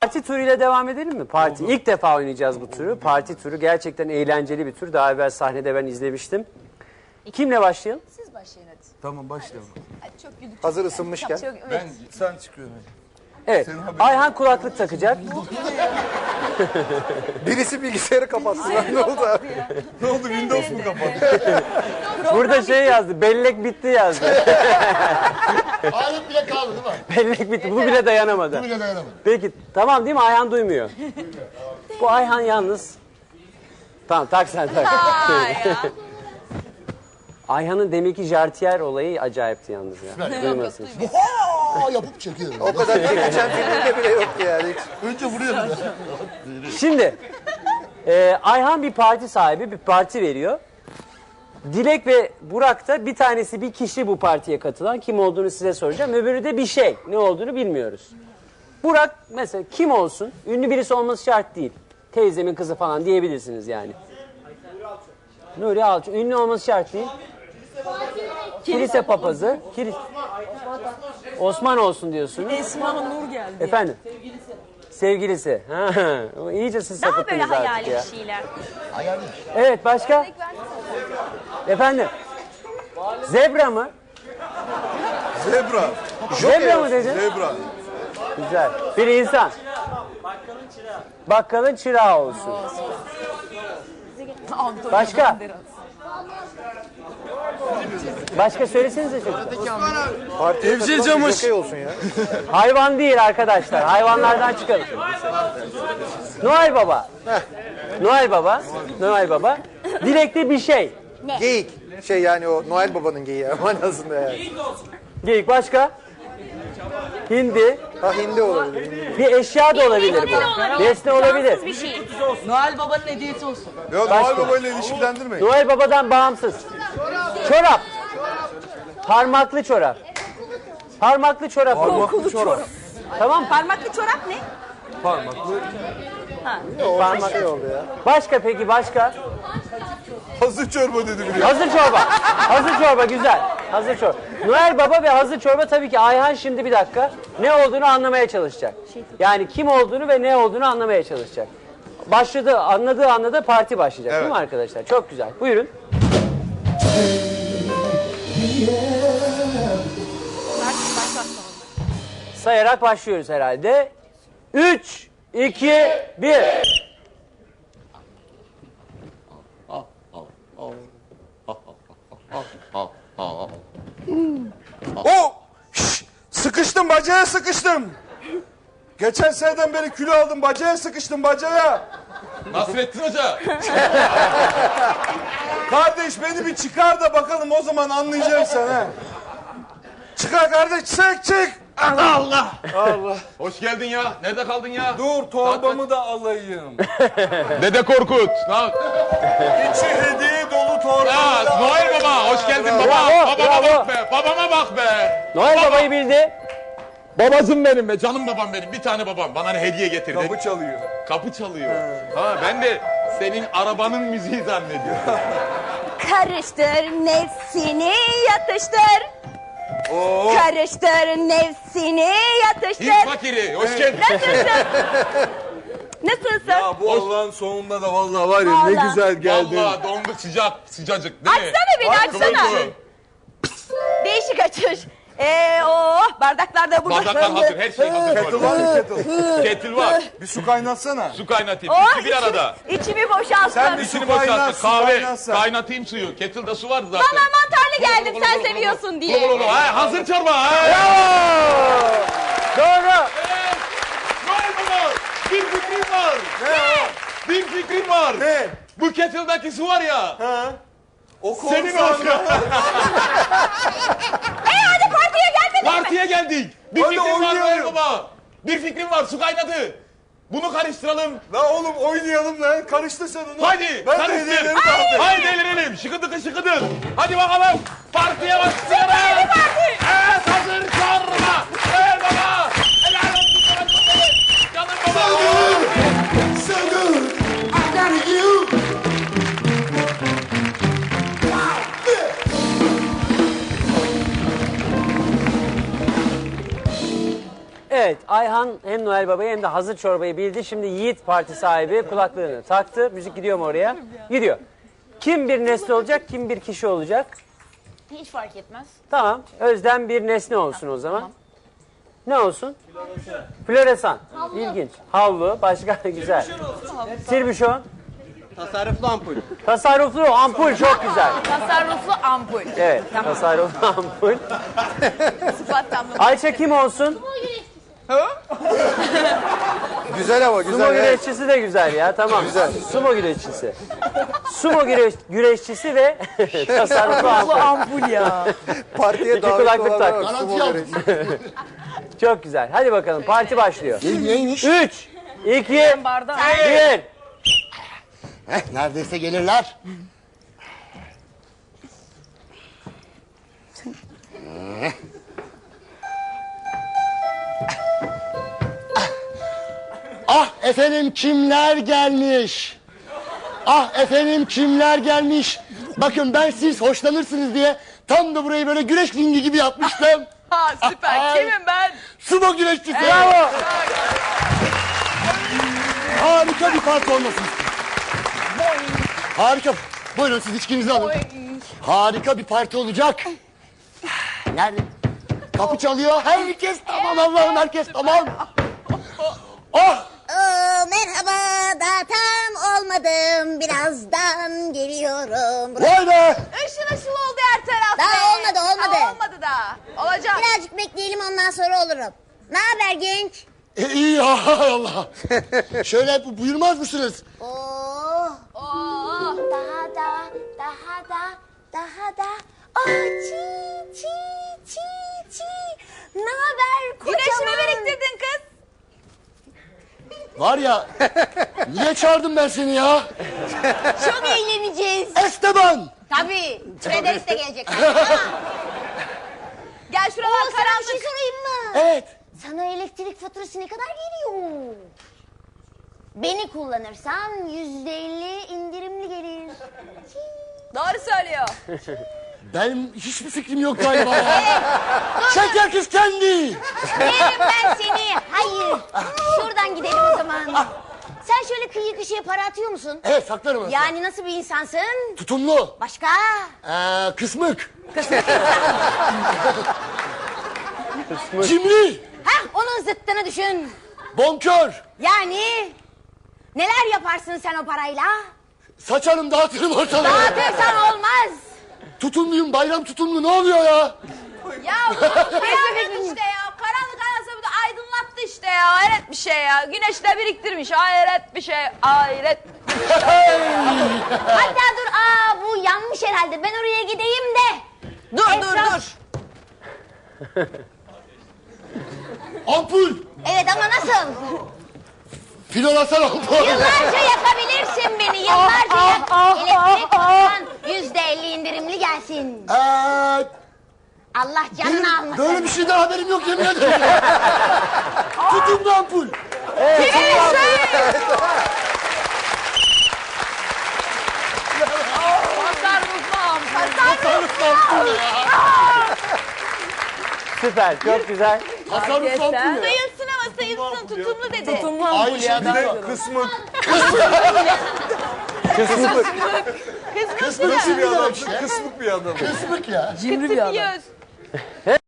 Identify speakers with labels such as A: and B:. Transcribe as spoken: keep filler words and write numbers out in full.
A: Parti turuyla devam edelim mi? Parti. İlk defa oynayacağız bu turu. Parti turu gerçekten eğlenceli bir tur. Daha evvel sahnede ben izlemiştim. Kimle başlayalım?
B: Siz başlayın hadi.
C: Tamam başlayalım.
B: Hadi çok güldük.
D: Hazır ısınmışken.
B: Çok, evet.
C: Ben sen çıkıyorsun.
A: Evet. Ayhan kulaklık takacak.
D: Birisi bilgisayarı kapatsın. Lan, ne oldu abi?
C: Ne oldu Windows mu kapattı?
A: Burada şey yazdı. Bellek bitti yazdı.
E: Alet bile kaldı değil mi?
A: Bellek bitti. Bu bile dayanamadı.
E: Bu bile dayanamadı.
A: Peki tamam değil mi? Ayhan duymuyor. Bu Ayhan yalnız. Tamam tak sen tak. Ayhan'ın deminki jartiyer olayı acayipti yalnız ya. Duymasın.
E: Aa yapıp çekiyor.
D: O kadar geçen filminde bile yoktu yani. Hiç.
E: Önce vuruyor.
A: Şimdi e, Ayhan bir parti sahibi, bir parti veriyor. Dilek ve Burak da bir tanesi bir kişi bu partiye katılan. Kim olduğunu size soracağım. Öbürü de bir şey. Ne olduğunu bilmiyoruz. Burak mesela kim olsun? Ünlü birisi olması şart değil. Teyzemin kızı falan diyebilirsiniz yani. Nuri Alço. Ünlü olması şart değil. Kilise papazı. Kilis... Osman olsun diyorsunuz.
B: Esma Nur geldi.
A: Efendim? Sevgilisi. Ha, iyice siz
F: Daha böyle
A: sapıttınız artık
F: hayali
A: ya.
F: bir şeyler.
A: Evet başka? Efendim? Zebra mı?
C: Zebra.
A: Zebra mı dedin?
C: Zebra.
A: Güzel. Bir insan. Bakkalın çırağı olsun. Başka? Başka söylesenize çocuklar.
D: Partiye
C: Evcil
D: katılan bir
C: camış.
D: jokey olsun ya.
A: Hayvan değil arkadaşlar. Hayvanlardan çıkalım. Noel Baba. Noel Baba. Noel Baba. Dilekte bir şey.
D: Geyik. Şey yani o Noel Baba'nın geyiği manasında yani.
A: Geyik başka? Hindi.
D: Ha hindi olabilir. Hindi.
A: Bir eşya da olabilir
F: Nesne de
A: bu.
F: olabilir.
A: Nesne olabilir.
F: Cansız bir şey.
B: Noel Baba'nın hediyesi olsun.
C: Ya Noel Baba ile ilişkilendirmeyin.
A: Noel Baba'dan bağımsız. Çorap. Parmaklı çorap. Parmaklı çorap.
C: Parmaklı çorap.
A: Tamam mı?
B: Parmaklı çorap ne?
C: Parmaklı.
D: Parmak şey oldu ya.
A: Başka peki başka?
C: Hazır çorba dedi biri.
A: Hazır çorba. Hazır çorba güzel. Hazır çorba. Noel Baba ve hazır çorba tabii ki Ayhan şimdi bir dakika ne olduğunu anlamaya çalışacak. Yani kim olduğunu ve ne olduğunu anlamaya çalışacak. Başladı, anladığı anda da parti başlayacak
C: Evet.
A: değil mi arkadaşlar? Çok güzel. Buyurun. Sayarak başlıyoruz herhalde. Üç, iki, bir.
C: Oh! Şş! Sıkıştım bacaya sıkıştım. Geçen seneden beri kilo aldım bacaya sıkıştım bacaya.
G: Nasrettin Hoca.
C: Kardeş beni bir çıkar da bakalım o zaman anlayacaksın ha. Çıkar kardeş çık çık. Allah Allah. Allah.
G: Hoş geldin ya. Nerede kaldın ya?
C: Dur torbamı da alayım.
G: Dede Korkut. Lan.
C: İçi hediye dolu torbamı
G: Ya
C: da
G: Noel
C: alayım.
G: Baba hoş geldin baba.
A: Bravo,
G: Babama
A: bravo.
G: bak be. Babama bak be.
A: Noel
G: Baba.
A: Baba'yı bildi.
G: Babacım benim be. Canım babam benim. Bir tane babam. Bana ne hediye getirdi.
C: Kapı çalıyor.
G: Kapı çalıyor. Ha ben de senin arabanın müziği zannediyorum.
F: Karıştır nefsini yatıştır.
C: Oo.
F: Karıştır nefsini yatıştır.
G: Hint fakiri. Hoş geldin.
F: Nasılsın? Nasılsın?
C: Ya bu Allah'ın sonunda da vallahi var ya ne
F: Vallahi.
C: güzel geldin.
G: Vallahi donduk sıcak. Sıcacık değil mi?
F: Açsana beni,
G: Bak, kıvır
F: açsana.
G: kıvır.
F: Değişik açış. Ee, oh, bardaklar da burada.
G: Bardaklar hazır. Her şey hazır.
C: Kettle var mı kettle?
G: Kettle var.
C: Bir su kaynatsana.
G: Su kaynatayım.
F: Oh,
G: İkisi bir arada.
F: İçimi boşalttın.
C: Sen bir
G: İçini
C: su kaynat,
G: boşalttı.
C: su
G: Kahve.
C: kaynatsan.
G: Kaynatayım suyu. Kettle'da su vardı zaten.
F: Bana mantarlı geldim sen seviyorsun diye.
G: Ulu ulu. Ha, hazır çorba. Ha.
A: Doğru.
G: Noel Baba. Bir fikrim var.
C: Ne?
G: Bir fikrim var.
C: Ne?
G: Bu kettle'daki su var ya.
C: Ha? O
G: Senin
C: korsan-
G: olsun.
F: Hey hadi partiye gelmedin mi?
G: Partiye geldik. Bir
C: Hadi
G: fikrim var Noel
C: oynayalım.
G: Baba. Bir fikrim var. Su kaynadı. Bunu karıştıralım.
C: La oğlum oynayalım lan. Karıştır sen onu.
G: Hadi
C: Ben de
G: karıştır.
C: hediyeleri dağıtayım.
G: Haydi eğlenelim. Şıkıdık şıkıdık. Hadi bakalım. Partiye başlıyoruz.
F: Hadi parti.
G: Evet hazır çorba. Evet baba. Helal olsun sana çok iyi. Canım baba.
E: So good. I got you.
A: Evet Ayhan hem Noel Baba'yı hem de hazır çorbayı bildi. Şimdi Yiğit parti sahibi kulaklığını taktı. Müzik gidiyor mu oraya? Gidiyor. Kim bir nesne olacak, kim bir kişi olacak?
F: Hiç fark etmez.
A: Tamam. Özlem bir nesne olsun o zaman. Ne olsun? Floresan. İlginç. Havlu. Başka güzel. Sirbüşon.
H: Tasarruflu ampul.
A: Tasarruflu ampul çok güzel.
F: Tasarruflu ampul.
A: Evet. Tasarruflu ampul.
F: Sıfat tamlaması.
A: Ayça kim olsun?
D: Güzel ama
A: Sumo
D: güzel. evet.
A: güreşçisi de güzel ya. Tamam. Güzel. Sumo güreşçisi. Sumo güreş, güreşçisi ve tasarruflu ampul.
B: Ampul ya.
D: Partiye
A: İki
D: davet
A: kulaklık
D: olanlar
A: tak.
D: var.
E: Garanti
D: Sumo
E: aldım.
D: güreşi.
A: Çok güzel. Hadi bakalım parti başlıyor.
E: Ne- Neymiş?
A: Üç, iki,
B: Bardağı.
A: bir.
E: Heh, neredeyse gelirler. Ah efendim kimler gelmiş? Ah efendim kimler gelmiş? Bakın ben siz hoşlanırsınız diye tam da burayı böyle güreş ringi gibi yapmıştım.
B: Ha süper.
E: Ay.
B: Kimim ben?
E: Sumo güreşçisi.
A: Bravo.
E: Harika bir parti olmasın. Harika. Buyurun siz içkinizi alın. Harika bir parti olacak. Nerede? Kapı çalıyor. Herkes tamam Allah'ım herkes tamam. Oh!
I: Oo, merhaba, daha tam olmadım. Birazdan geliyorum.
E: Vay be!
F: Işıl ışıl oldu her taraf.
I: Daha
F: be.
I: olmadı, olmadı.
F: Daha olmadı daha. Olacak.
I: Birazcık bekleyelim, ondan sonra olurum. Ne haber genç?
E: E, iyi hay Allah. Şöyle bu- buyurmaz mısınız?
I: Oo,
F: Oo.
I: daha da, daha da, daha da. Aa, çi, çi, çi, çi. Ne haber kocaman?
F: Güneşi mi biriktirdin kız?
E: Var ya, niye çağırdım ben seni ya?
I: Çok eğleneceğiz.
E: Esteban!
I: Tabii, Frederick de gelecek.
F: Gel şuralar
I: Oo, sana bir
F: karanlık.
I: şey sorayım mı?
E: Evet.
I: Sana elektrik faturası ne kadar geliyor? Beni kullanırsan yüzde elli indirimli gelir.
F: Doğru söylüyor.
E: Benim hiçbir fikrim yok galiba ya. Şeker kız kendi.
I: Yerim ben seni. Hayır. Şuradan gidelim o zaman. Sen şöyle kıyı köşeye para atıyor musun?
E: Evet saklarım aslında.
I: Yani nasıl bir insansın?
E: Tutumlu.
I: Başka?
E: Ee, kısmık. Cimri.
I: Hah, onun zıttını düşün.
E: Bonkör.
I: Yani neler yaparsın sen o parayla?
E: Saçarım dağıtırım ortalığı.
I: Dağıtırsan olmaz.
E: Tutumluyum bayram tutumlu ne oluyor ya?
F: Ya bu kıyamet işte ya. Karanlık anasını da aydınlattı işte ya. Hayret bir şey ya. Güneş de biriktirmiş. Hayret bir şey. Hayret.
I: Hatta dur, aa bu yanmış herhalde. Ben oraya gideyim de.
F: Dur dur
I: Etraf-
F: dur.
E: Ampul.
I: Evet ama nasıl?
E: Filolasana ampul.
I: Yıllarca yakabilirsin beni. Yıllarca yak. Elektrik fatturan yüzde elli indirimli gelsin.
E: Ee,
I: Allah canını
E: benim
I: almasın.
E: böyle bir şeyden haberim yok yemin ederim. Tutumlu ampul.
F: Tasarruflam.
E: Tasarruflu ampul ya.
A: Süper. Çok güzel.
E: Tasarruflu ampul ya.
F: Sayılsın ama sayılsın. Tutumlu dedi.
B: Tutumlu
E: Aynı
B: ampul ya.
E: şey
B: daha
E: bir de
B: güzel.
C: Kısmık.
E: Kısmık bir adam işte.
C: Kısmık bir adam.
E: Kısmık ya.
B: Cimri bir adam.
F: Yüz.